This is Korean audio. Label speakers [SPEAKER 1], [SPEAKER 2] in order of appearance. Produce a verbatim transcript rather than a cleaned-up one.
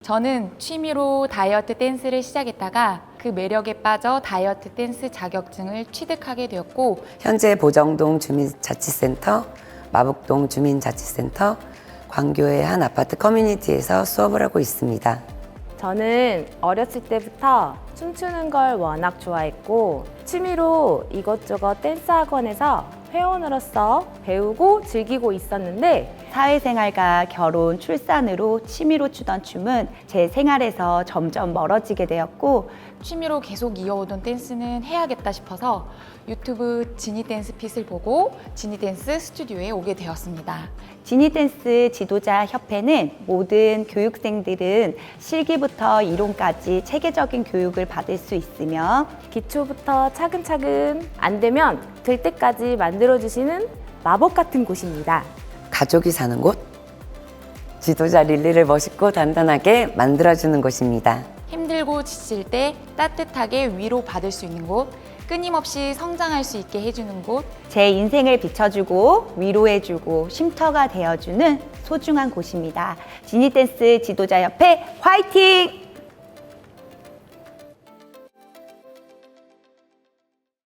[SPEAKER 1] 저는 취미로 다이어트 댄스를 시작했다가 그 매력에 빠져 다이어트 댄스 자격증을 취득하게 되었고
[SPEAKER 2] 현재 보정동 주민자치센터, 마북동 주민자치센터, 광교의 한 아파트 커뮤니티에서 수업을 하고 있습니다.
[SPEAKER 3] 저는 어렸을 때부터 춤추는 걸 워낙 좋아했고 취미로 이것저것 댄스 학원에서 회원으로서 배우고 즐기고 있었는데
[SPEAKER 4] 사회생활과 결혼, 출산으로 취미로 추던 춤은 제 생활에서 점점 멀어지게 되었고
[SPEAKER 1] 취미로 계속 이어오던 댄스는 해야겠다 싶어서 유튜브 지니댄스 핏을 보고 지니댄스 스튜디오에 오게 되었습니다.
[SPEAKER 4] 지니댄스 지도자 협회는 모든 교육생들은 실기부터 이론까지 체계적인 교육을 받을 수 있으며
[SPEAKER 3] 기초부터 차근차근 안 되면 될 때까지 만들어주시는 마법 같은 곳입니다.
[SPEAKER 2] 가족이 사는 곳, 지도자 릴리를 멋있고 단단하게 만들어주는 곳입니다.
[SPEAKER 1] 힘들고 지칠 때 따뜻하게 위로받을 수 있는 곳, 끊임없이 성장할 수 있게 해주는 곳,
[SPEAKER 4] 제 인생을 비춰주고 위로해주고 쉼터가 되어주는 소중한 곳입니다. 지니댄스 지도자 협회 화이팅!